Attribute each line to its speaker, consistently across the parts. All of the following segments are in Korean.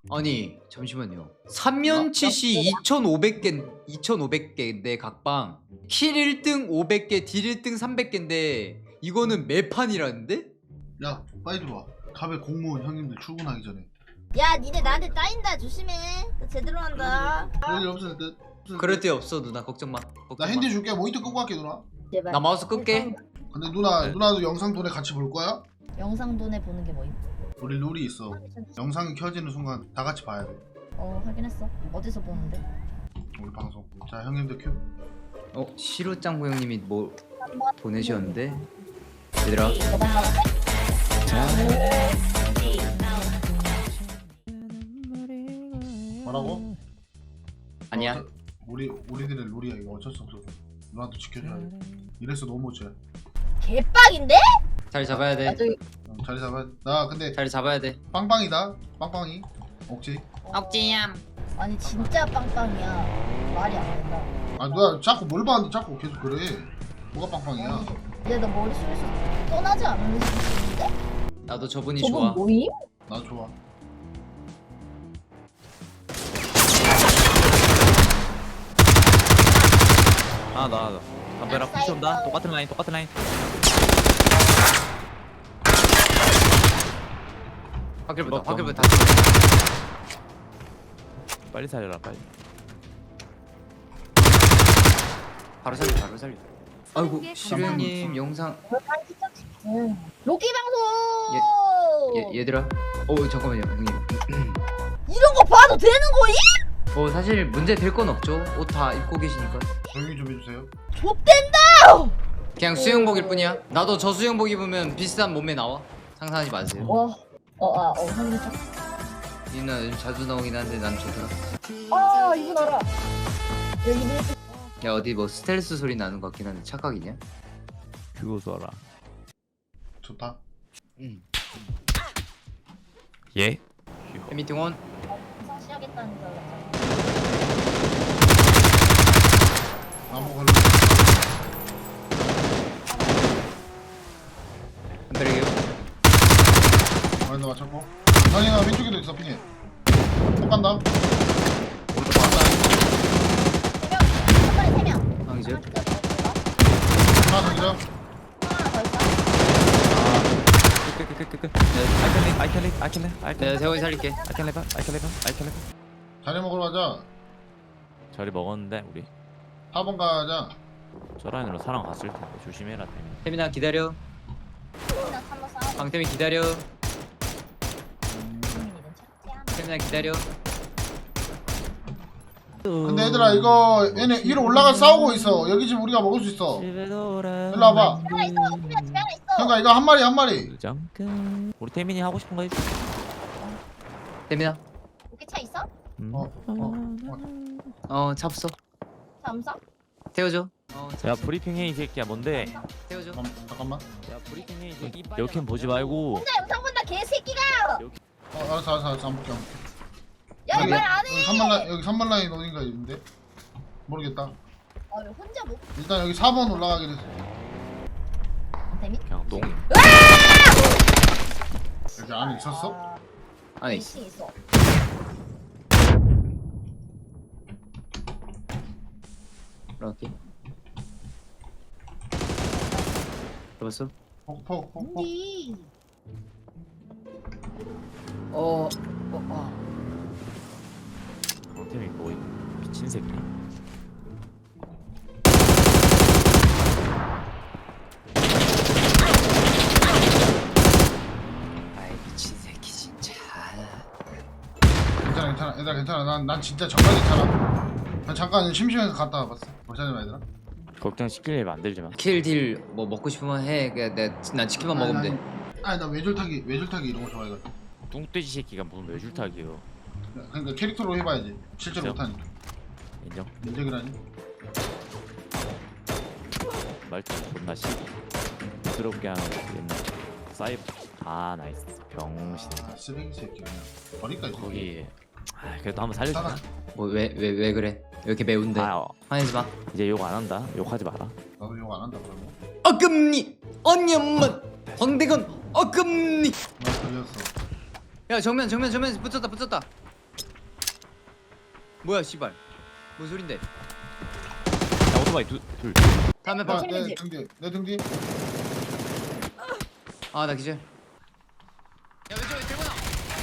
Speaker 1: 아니 잠시만요. 3년치시 2,500개인데 각방 킬 1등 500개 딜 1등 300개인데 이거는 매판이라는데?
Speaker 2: 야 빨리 들어와. 갑에 공무원 형님들 출근하기 전에.
Speaker 3: 야 니네 나한테 따인다 조심해. 나 제대로 한다.
Speaker 2: 그럴 일 없을 듯.
Speaker 1: 그럴 데 없어 누나 걱정 마.
Speaker 2: 나
Speaker 1: 걱정
Speaker 2: 핸디
Speaker 1: 마.
Speaker 2: 줄게. 모니터 끄고 갈게 누나.
Speaker 3: 제발.
Speaker 1: 나 마우스 끌게.
Speaker 2: 근데 누나도 영상 돈에 같이 볼 거야?
Speaker 3: 영상 돈에 보는 게 뭐임?
Speaker 2: 우리 룰이 있어. 영상이 켜지는 순간 다 같이 봐야 돼.
Speaker 3: 확인했어. 어디서 보는데?
Speaker 2: 우리 방송. 자 형님들 큐.
Speaker 1: 시루짱구 형님이 뭐 보내셨는데 얘들아
Speaker 2: 뭐라고?
Speaker 1: 아니야.
Speaker 2: 우리들의 룰이야 이거. 어쩔 수 없어. 누나도 지켜줘야 돼. 이래서 너무 못해.
Speaker 3: 개빡인데?
Speaker 1: 자리 잡아야 돼.
Speaker 3: 나중에
Speaker 2: 자리 잡아. 나 근데
Speaker 1: 자리 잡아야 돼.
Speaker 2: 빵빵이다. 빵빵이. 억지.
Speaker 1: 억지얌.
Speaker 3: 아니 진짜 빵빵이야. 말이 안 된다.
Speaker 2: 아 누나 자꾸 뭘 봤는데 자꾸 계속 그래. 뭐가 빵빵이야?
Speaker 3: 이제 너 머릿속에서 떠나지 않는 수준인데?
Speaker 1: 나도 저분이 좋아.
Speaker 3: 뭐임?
Speaker 2: 나 좋아.
Speaker 4: 나 담배랑 푸시 온다. 똑같은 라인.
Speaker 1: 확실부터
Speaker 4: 먹자.
Speaker 1: 확실부터
Speaker 4: 빨리 살려라 빨리.
Speaker 1: 바로 살려. 아이고 시루 형님 영상
Speaker 3: 로키 방송!
Speaker 1: 얘들아. 잠깐만요 형님.
Speaker 3: 이런 거 봐도 되는 거임?
Speaker 1: 사실 문제 될 건 없죠. 옷 다 입고 계시니까.
Speaker 2: 조용히 좀 해주세요.
Speaker 3: 좆된다!
Speaker 1: 그냥 수영복일 뿐이야. 나도 저 수영복 입으면 비슷한 몸매 나와. 상상하지 마세요.
Speaker 3: 상대적.
Speaker 1: 니나 요즘 자주 나오긴 한데 난 좋더라.
Speaker 3: 이분 알아. 여기는
Speaker 1: 야 어디 뭐 스텔스 소리 나는 것 같긴 한데 착각이냐?
Speaker 4: 그거 써라.
Speaker 2: 좋다.
Speaker 1: 응.
Speaker 4: 예?
Speaker 1: 미팅 온.
Speaker 3: 시작했다는 줄 알았잖아.
Speaker 2: 나무 걸로.
Speaker 1: 한 배려게요.
Speaker 2: 나 맞췄고. 아니나 왼쪽에도 있어 핑해. 못 간다.
Speaker 1: 오른쪽 간다.
Speaker 3: 한 마리 3명.
Speaker 1: 아 이제.
Speaker 2: 하나 더 기자.
Speaker 3: 하나 더 있어.
Speaker 4: 끝. I can live.
Speaker 1: 내가 세원이 살릴게.
Speaker 4: I can live.
Speaker 2: 자리 먹으러 가자.
Speaker 4: 저리 먹었는데 우리
Speaker 2: 4번 가자.
Speaker 4: 저 라인으로 사람 갔을 텐데 조심해라 태민.
Speaker 1: 태민아 기다려.
Speaker 3: 그냥 한번 싸워.
Speaker 1: 방태민 기다려.
Speaker 3: 국민이든 착지야.
Speaker 1: 태민아 기다려.
Speaker 2: 근데 얘들아 이거 얘네 위로 올라가 싸우고 있어. 여기 지금 우리가 먹을 수 있어.
Speaker 4: 일로
Speaker 2: 일로 와봐.
Speaker 3: 하나 있어. 국민아 집에 하나 있어.
Speaker 2: 그러니까 이거 한 마리.
Speaker 4: 잠깐 우리 태민이 하고 싶은 거 해줘.
Speaker 1: 태민아.
Speaker 3: 로키 차 있어?
Speaker 1: 잡소.
Speaker 3: 차 없어?
Speaker 1: 태워줘.
Speaker 4: 야 브리핑해 이 새끼야 뭔데?
Speaker 1: 태워줘.
Speaker 2: 잠깐만.
Speaker 4: 야 브리핑해 이 새끼. 여캠 보지 말고.
Speaker 3: 혼자 영상 본다 개새끼가.
Speaker 2: 알았어. 안 볼게.
Speaker 3: 야 말 안 해.
Speaker 2: 여기 3번 라인 어딘가 있는데 모르겠다.
Speaker 3: 왜 혼자 못?
Speaker 2: 일단 여기 4번 올라가기로 했어.
Speaker 3: 재밌?
Speaker 4: 그냥 똥.
Speaker 2: 여기 안에 있었어?
Speaker 1: 아니
Speaker 3: 미싱 있어.
Speaker 1: 이렇게. 잡았어?
Speaker 2: 폭.
Speaker 3: 어디?
Speaker 4: 태민 뭐 미친 새끼.
Speaker 1: 아이 미친 새끼 진짜.
Speaker 2: 괜찮아. 얘들아 난 진짜 정말 괜찮아. 난 잠깐 심심해서 갔다 와봤어. 괜찮아 얘들아.
Speaker 4: 걱정시킬 일 만들지 마.
Speaker 1: 킬딜 뭐 먹고 싶으면 해. 그냥 난 치킨만 먹으면 돼.
Speaker 2: 아니 나 외줄타기 이런 거 좋아해가지고.
Speaker 4: 뚱돼지 새끼가 무슨 외줄타기요.
Speaker 2: 그러니까 캐릭터로 해봐야지. 실제로
Speaker 4: 진짜?
Speaker 2: 못하니까.
Speaker 4: 인정?
Speaker 2: 인정이라니.
Speaker 4: 말투 존나 씨. 부드럽게 하는 옛날 사이버. 나이스 병신.
Speaker 2: 쓰레기 새끼 그냥. 버릴까 이거.
Speaker 4: 거기 그래도 한번 살려주나?
Speaker 1: 뭐 왜 그래? 왜 이렇게 매운데? 화내지 마.
Speaker 4: 이제 욕 안 한다. 욕하지 마라.
Speaker 2: 나도 욕 안 한다 그러면.
Speaker 1: 어금니 언년만 황대건 어금니.
Speaker 2: 나 걸렸어.
Speaker 1: 야 정면 붙였다. 뭐야 씨발 뭔 소린데?
Speaker 4: 야 오토바이 둘.
Speaker 1: 다음에
Speaker 2: 야,
Speaker 1: 봐.
Speaker 2: 내 등뒤 내 등뒤.
Speaker 1: 아나 기절. 야 왼쪽에 들고 나.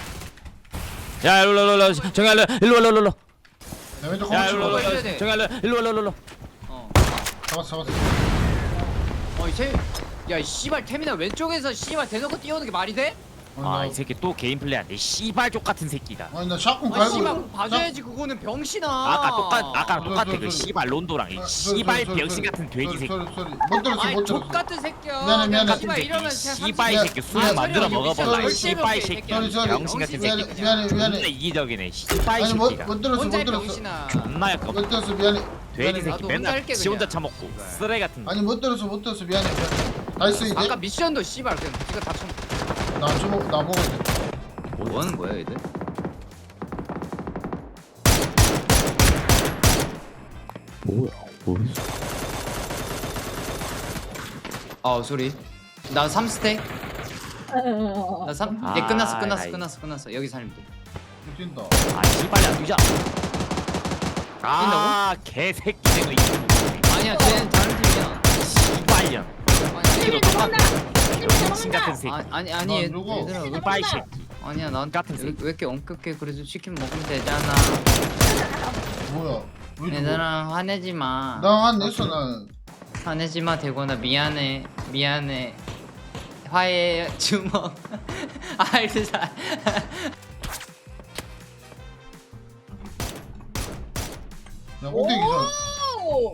Speaker 4: 야 일로 정야 일로.
Speaker 2: 내 왼쪽
Speaker 4: 야
Speaker 2: 허벅지
Speaker 1: 일로,
Speaker 2: 봐.
Speaker 1: 일로. 돼.
Speaker 4: 정야 일로.
Speaker 1: 어.
Speaker 2: 잡았어.
Speaker 1: 어이 야 씨발 태민아 왼쪽에서 씨발 대놓고 뛰어오는 게 말이 돼?
Speaker 4: 아 이 새끼 또 개인 플레이한데 씨발 족 같은 새끼다.
Speaker 2: 아니 나 샷건
Speaker 1: 아
Speaker 2: 갈고.
Speaker 1: 씨발 봐줘야지 그거는 병신아.
Speaker 4: 아까 똑같아
Speaker 2: 소리,
Speaker 4: 그
Speaker 2: 소리.
Speaker 4: 씨발 론도랑 이 씨발 병신 같은 돼지 새끼.
Speaker 2: 소리. 못 들었어
Speaker 1: 아이
Speaker 2: 못
Speaker 1: 족
Speaker 2: 들었어.
Speaker 1: 같은 새끼야.
Speaker 2: 미안해, 미안해.
Speaker 1: 그냥 씨발 이러면
Speaker 4: 씨발 이
Speaker 2: 야,
Speaker 4: 새끼 술
Speaker 2: 야,
Speaker 4: 만들어
Speaker 1: 소리,
Speaker 4: 먹어볼라
Speaker 2: 소리,
Speaker 4: 이 씨발 이
Speaker 1: 소리,
Speaker 4: 새끼
Speaker 2: 소리, 소리.
Speaker 4: 병신 같은 새끼.
Speaker 1: 새끼야.
Speaker 4: 존나 이기적이네 씨발 이
Speaker 2: 아니
Speaker 4: 새끼가.
Speaker 2: 못 들었어
Speaker 1: 혼자
Speaker 2: 못 들었어.
Speaker 1: 병신아.
Speaker 4: 존나 약간
Speaker 2: 못 들었어 미안해.
Speaker 4: 돼지
Speaker 2: 미안해.
Speaker 4: 새끼
Speaker 1: 나도 혼자
Speaker 4: 맨날
Speaker 1: 할게,
Speaker 4: 지 혼자
Speaker 1: 그냥.
Speaker 4: 처먹고
Speaker 1: 씨발.
Speaker 4: 쓰레 같은.
Speaker 2: 아니 못 들었어 미안해. 나이스 이제.
Speaker 1: 아까 미션도 씨발 그냥 지가 다 쳐.
Speaker 2: 나 먹었어.
Speaker 1: 뭐 하는 거야 얘들?
Speaker 4: 뭐야?
Speaker 1: 아 소리. 나 3스택. 나 3.
Speaker 4: 아,
Speaker 1: 예 끝났어.
Speaker 4: 나이.
Speaker 1: 끝났어. 여기 살면 돼.
Speaker 2: 뛴다.
Speaker 4: 아 씨발야 뛰자. 아 개새끼네 너
Speaker 1: 아니야 쟤는 다른 팀이야.
Speaker 4: 씨발년.
Speaker 1: 아니,
Speaker 4: 이거 똑같아. 병신 같은 새끼.
Speaker 1: 아니
Speaker 2: 난 누구?
Speaker 1: 얘들아 왜
Speaker 4: 씨발 새끼.
Speaker 1: 아니야 난
Speaker 4: 같은
Speaker 1: 왜,
Speaker 4: 새끼.
Speaker 1: 왜 이렇게 엄격해 그래도 치킨 먹으면 되잖아.
Speaker 2: 뭐야? 왜 죽어?
Speaker 1: 얘들아 화내지 마.
Speaker 2: 나안 냈어 나는.
Speaker 1: 화내지 마 대건아 미안해. 화해 주먹. 알자.
Speaker 2: 야 꼭대기 기절.
Speaker 3: 오!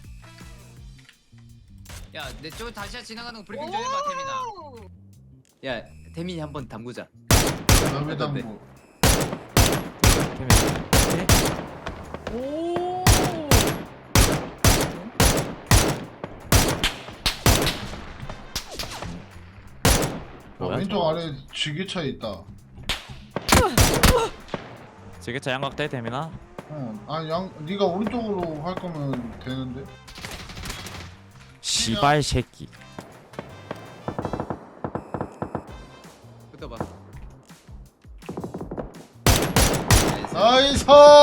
Speaker 1: 야내 쪽 다시 지나가는 거 브리핑 좀 해봐 태민아. 야 태민이 한번 담그자.
Speaker 2: 나왜 담고?
Speaker 3: 오!
Speaker 4: 뭐야,
Speaker 2: 왼쪽
Speaker 4: 저거?
Speaker 2: 아래 지게차 있다.
Speaker 4: 지게차 양각대 대민아.
Speaker 2: 아니 네가 오른쪽으로 할 거면 되는데.
Speaker 4: 씨발 새끼.
Speaker 1: 붙어봐.
Speaker 2: 나이스.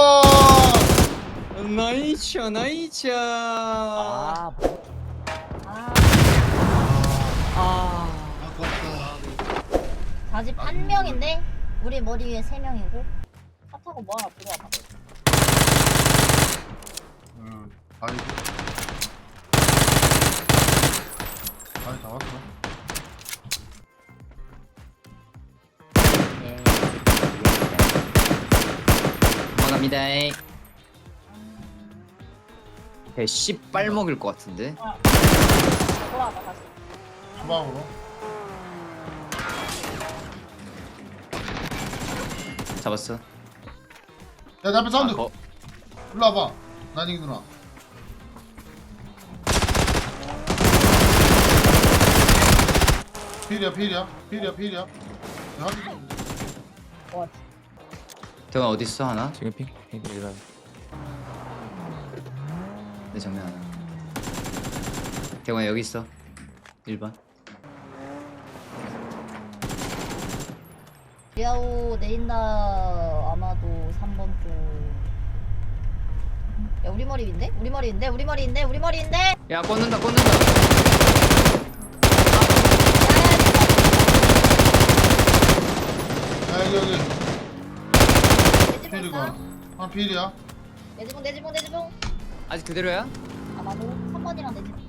Speaker 1: 나이차.
Speaker 4: 아
Speaker 2: 아깝다.
Speaker 3: 자집 한 명인데 우리 머리 위에 세 명이고 차 타고 뭐 하나 들어와 봐.
Speaker 2: 아이. 아이 다 왔어.
Speaker 1: 도망갑니다. 배 씨빨 먹을 것 같은데.
Speaker 3: 돌아와봐 다시.
Speaker 2: 주방으로.
Speaker 1: 잡았어.
Speaker 2: 야, 내 앞에 사운드.
Speaker 1: 어.
Speaker 2: 일로 와봐. 난이 누나. 필이야. 야,
Speaker 3: 와,
Speaker 1: 대건 어디 있어 하나?
Speaker 4: 지금 핑. 이거
Speaker 1: 내 정면 하나. 대건 여기 있어. 1번.
Speaker 3: 리아오 내린다. 아마도 3번 쪽. 야 우리 머리인데? 우리 머리인데?
Speaker 1: 야 꽂는다.
Speaker 2: 야, 여기.
Speaker 3: 내
Speaker 2: 필이가.
Speaker 3: 지붕
Speaker 2: 아, 필이야.
Speaker 3: 내 지붕.
Speaker 1: 아직 그대로야?
Speaker 3: 아마도 3번이랑 내 지붕.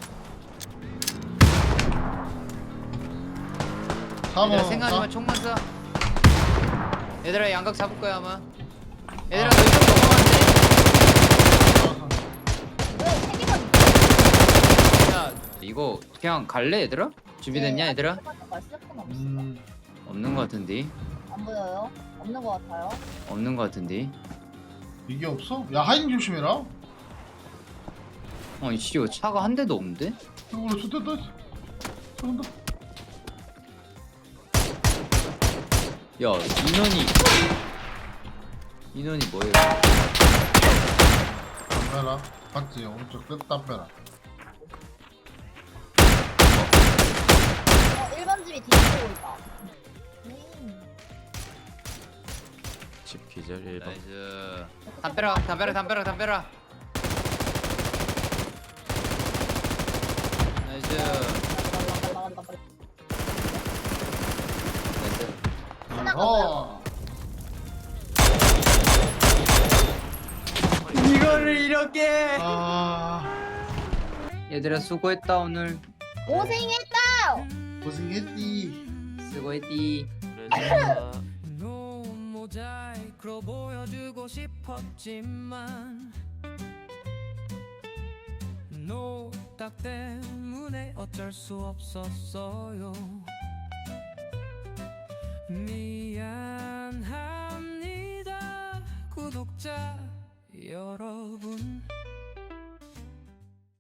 Speaker 2: 4번.
Speaker 1: 얘들아 생각하지 마. 총만 쏴. 얘들아 양각 잡을 거야 아마. 얘들아 너 이쪽 넘어갔네.
Speaker 3: 왜 3개만
Speaker 1: 야 이거 그냥 갈래 얘들아? 준비됐냐 얘들아?
Speaker 3: 시작하면 없어.
Speaker 1: 없는 거 같은데.
Speaker 3: 안 보여요? 없는 것 같아요.
Speaker 1: 없는 거 같은데.
Speaker 2: 이게 없어? 야, 하인 조심해라.
Speaker 1: 아니 씨 이거 차가 한 대도 없는데?
Speaker 2: 이걸로 쏟았다. 쏟았다.
Speaker 1: 야 인원이 뭐예요?
Speaker 2: 담배라. 봤지? 오른쪽 끝 담배라.
Speaker 3: 1번 집이 뒤집고 있다.
Speaker 1: GP
Speaker 4: 기절 1번.
Speaker 1: 나이스. 담벼락. 나이스.
Speaker 3: 하나가
Speaker 2: 어.
Speaker 1: 이거를 이렇게.
Speaker 2: 아
Speaker 1: 얘들아 수고했다 오늘.
Speaker 3: 고생했다.
Speaker 2: 고생했디.
Speaker 1: 수고했디.
Speaker 4: 그래서
Speaker 5: 모자이크로 보여주고 싶었지만 노딱 때문에 어쩔 수 없었어요. 미안합니다 구독자 여러분.